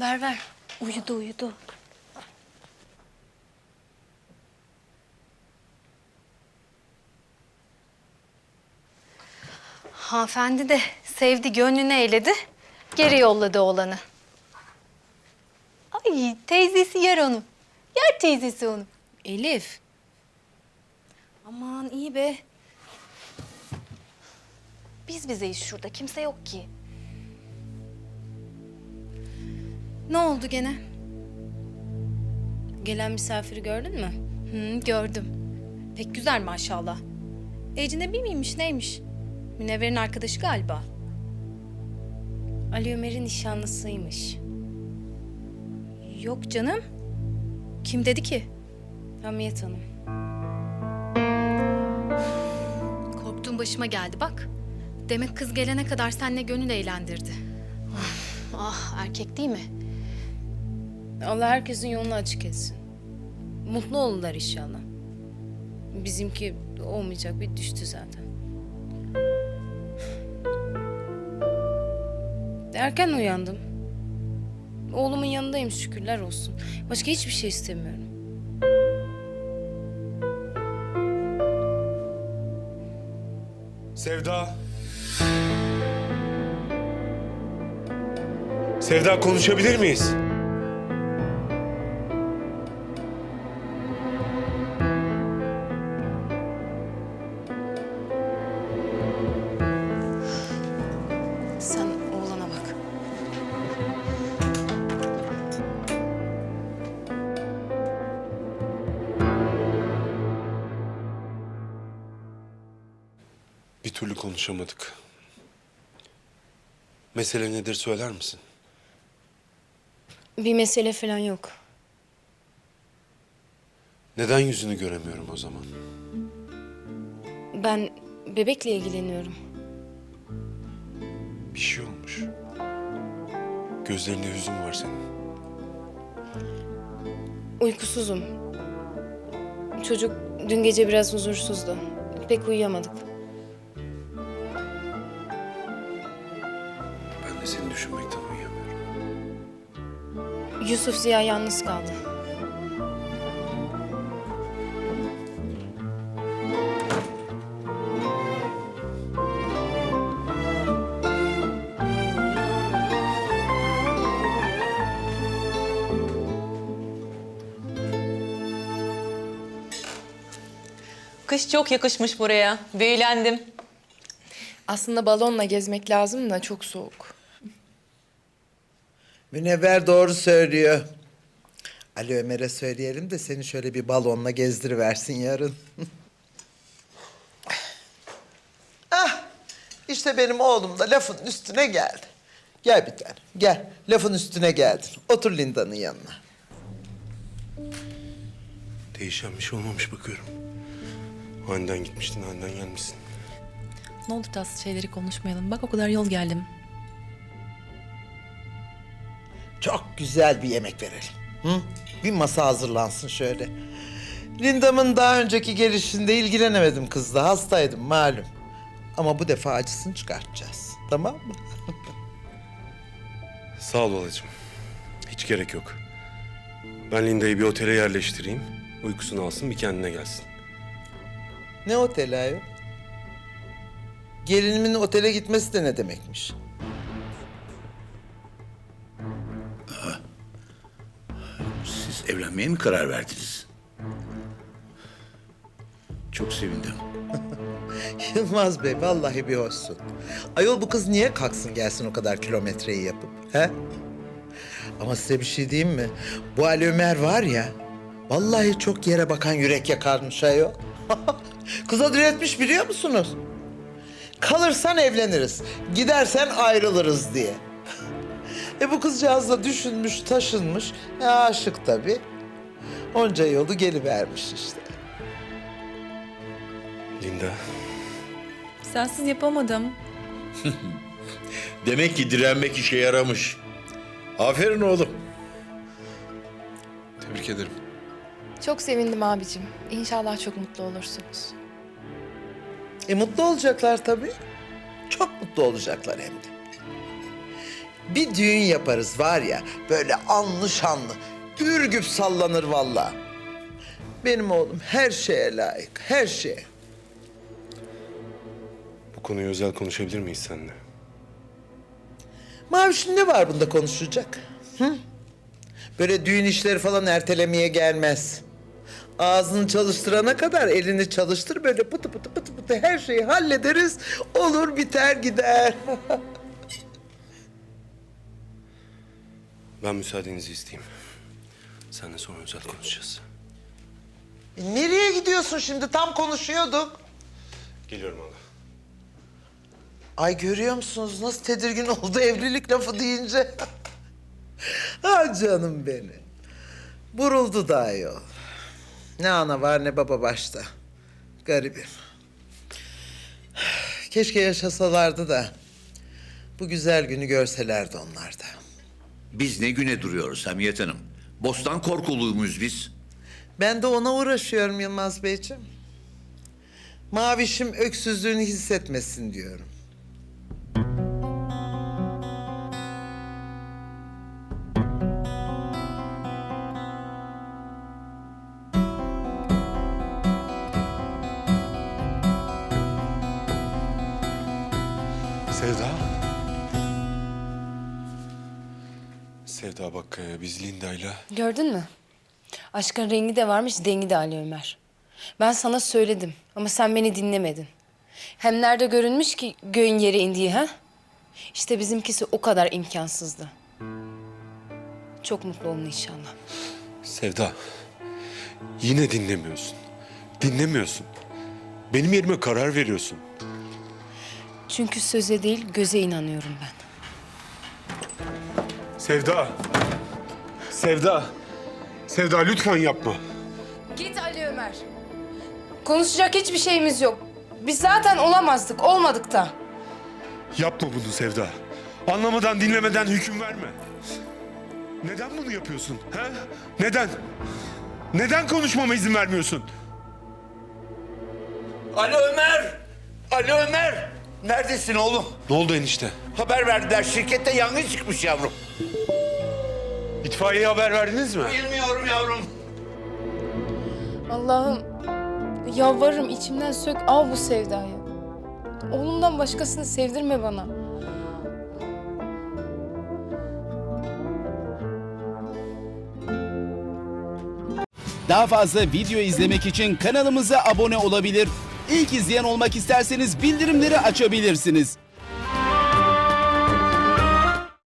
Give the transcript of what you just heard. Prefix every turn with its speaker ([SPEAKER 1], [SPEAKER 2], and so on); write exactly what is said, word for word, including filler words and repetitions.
[SPEAKER 1] Ver ver. Uyudu uyudu. Hanımefendi de sevdi, gönlünü eyledi. Geri yolladı oğlanı. Ay teyzesi yer onu. Yer teyzesi onu.
[SPEAKER 2] Elif.
[SPEAKER 1] Aman iyi be. Biz bizeyiz şurada. Kimse yok ki. Ne oldu gene?
[SPEAKER 2] Gelen misafiri gördün mü?
[SPEAKER 1] Hı, gördüm. Pek güzel maşallah. Ecnebi miymiş neymiş? Münevver'in arkadaşı galiba.
[SPEAKER 2] Ali Ömer'in nişanlısıymış.
[SPEAKER 1] Yok canım. Kim dedi ki?
[SPEAKER 2] Hamiyet Hanım.
[SPEAKER 1] Korktuğum başıma geldi bak. Demek kız gelene kadar seninle gönül eğlendirdi. Ah, ah erkek değil mi?
[SPEAKER 2] Allah herkesin yolunu açık etsin. Mutlu olurlar inşallah. Bizimki olmayacak, bir düştü zaten. Erken uyandım. Oğlumun yanındayım, şükürler olsun. Başka hiçbir şey istemiyorum.
[SPEAKER 3] Sevda. Sevda, konuşabilir miyiz?
[SPEAKER 2] Sen oğlana bak.
[SPEAKER 3] Bir türlü konuşamadık. Mesele nedir söyler misin?
[SPEAKER 2] Bir mesele falan yok.
[SPEAKER 3] Neden yüzünü göremiyorum o zaman?
[SPEAKER 2] Ben bebekle ilgileniyorum.
[SPEAKER 3] Bir şey olmuş. Gözlerinde hüzün var senin.
[SPEAKER 2] Uykusuzum. Çocuk dün gece biraz huzursuzdu. Pek uyuyamadık.
[SPEAKER 3] Ben de seni düşünmekten uyuyamıyorum.
[SPEAKER 2] Yusuf Ziya yalnız kaldı.
[SPEAKER 4] Kış çok yakışmış buraya. Büyülendim.
[SPEAKER 5] Aslında balonla gezmek lazım da çok soğuk.
[SPEAKER 6] Münevver doğru söylüyor. Ali Ömer'e söyleyelim de seni şöyle bir balonla gezdiriversin yarın. Ah, işte benim oğlum da lafın üstüne geldi. Gel bir tane, gel. Lafın üstüne geldin. Otur Linda'nın yanına.
[SPEAKER 3] Değişen bir şey olmamış bakıyorum. Aniden gitmiştin, aniden gelmişsin.
[SPEAKER 7] Ne olur tatsız şeyleri konuşmayalım. Bak o kadar yol geldim.
[SPEAKER 6] Çok güzel bir yemek verelim. Hı? Bir masa hazırlansın şöyle. Linda'mın daha önceki gelişinde ilgilenemedim kızla. Hastaydım malum. Ama bu defa acısını çıkartacağız. Tamam mı?
[SPEAKER 3] Sağ ol halacığım. Hiç gerek yok. Ben Linda'yı bir otele yerleştireyim. Uykusunu alsın, bir kendine gelsin.
[SPEAKER 6] Ne oteli ayol? Gelinimin otele gitmesi de ne demekmiş?
[SPEAKER 8] Siz evlenmeye mi karar verdiniz? Çok sevindim.
[SPEAKER 6] Yılmaz Bey vallahi bir hoşsun. Ayol bu kız niye kalksın gelsin o kadar kilometreyi yapıp? He? Ama size bir şey diyeyim mi? Bu Ali Ömer var ya, vallahi çok yere bakan yürek yakarmış ayol. Kıza diretmiş biliyor musunuz? Kalırsan evleniriz, gidersen ayrılırız diye. E bu kızcağız da düşünmüş, taşınmış. E aşık tabii. Onca yolu gelivermiş işte.
[SPEAKER 3] Linda,
[SPEAKER 7] Sensiz yapamadım.
[SPEAKER 8] Demek ki direnmek işe yaramış. Aferin oğlum.
[SPEAKER 3] tebrik ederim.
[SPEAKER 5] Çok sevindim abicim. İnşallah çok mutlu olursunuz.
[SPEAKER 6] E mutlu olacaklar tabii. Çok mutlu olacaklar hem de. Bir düğün yaparız var ya, böyle anlı şanlı, ürgüp sallanır vallahi. Benim oğlum her şeye layık, her şeye.
[SPEAKER 3] Bu konuyu özel konuşabilir miyiz seninle?
[SPEAKER 6] Maviş'in ne var bunda konuşacak? Hı? Böyle düğün işleri falan ertelemeye gelmez. Ağzını çalıştırana kadar elini çalıştır, böyle pıtı pıtı pıtı pıtı her şeyi hallederiz. Olur biter gider.
[SPEAKER 3] Ben müsaadenizi isteyeyim. Seninle sonra özel konuşacağız.
[SPEAKER 6] E, nereye gidiyorsun şimdi? Tam konuşuyorduk.
[SPEAKER 3] Geliyorum hala.
[SPEAKER 6] Ay görüyor musunuz nasıl tedirgin oldu evlilik lafı deyince? Ah canım benim. Buruldu da ayol. Ne ana var ne baba başta. Garibim. Keşke yaşasalardı da bu güzel günü görselerdi onlar da.
[SPEAKER 8] Biz ne güne duruyoruz Hamiyet Hanım? Bostan korkuluyuz muyuz biz?
[SPEAKER 6] Ben de ona uğraşıyorum Yılmaz Beyciğim. Mavişim öksüzlüğünü hissetmesin diyorum.
[SPEAKER 3] Sevda. Sevda bak e, biz Linda'yla...
[SPEAKER 2] Gördün mü? Aşkın rengi de varmış, dengi de Ali Ömer. Ben sana söyledim ama sen beni dinlemedin. Hem nerede görünmüş ki göğün yere indiği ha? İşte bizimkisi o kadar imkansızdı. Çok mutlu olun inşallah.
[SPEAKER 3] Sevda. Yine dinlemiyorsun. Dinlemiyorsun. Benim yerime karar veriyorsun.
[SPEAKER 2] Çünkü söze değil göze inanıyorum ben.
[SPEAKER 3] Sevda. Sevda. Sevda lütfen yapma.
[SPEAKER 2] Git Ali Ömer. Konuşacak hiçbir şeyimiz yok. Biz zaten olamazdık, olmadık da.
[SPEAKER 3] Yapma bunu Sevda. Anlamadan dinlemeden hüküm verme. Neden bunu yapıyorsun? Ha? Neden? Neden konuşmama izin vermiyorsun?
[SPEAKER 8] Ali Ömer! Ali Ömer! Neredesin oğlum?
[SPEAKER 3] Ne oldu enişte?
[SPEAKER 8] Haber verdiler, şirkette yangın çıkmış yavrum.
[SPEAKER 3] İtfaiyeye haber verdiniz mi?
[SPEAKER 8] Bilmiyorum yavrum.
[SPEAKER 2] Allah'ım, yalvarırım içimden sök al bu sevdayı. Oğlumdan başkasını sevdirme bana.
[SPEAKER 9] Daha fazla video izlemek için kanalımıza abone olabilir. İlk izleyen olmak isterseniz bildirimleri açabilirsiniz.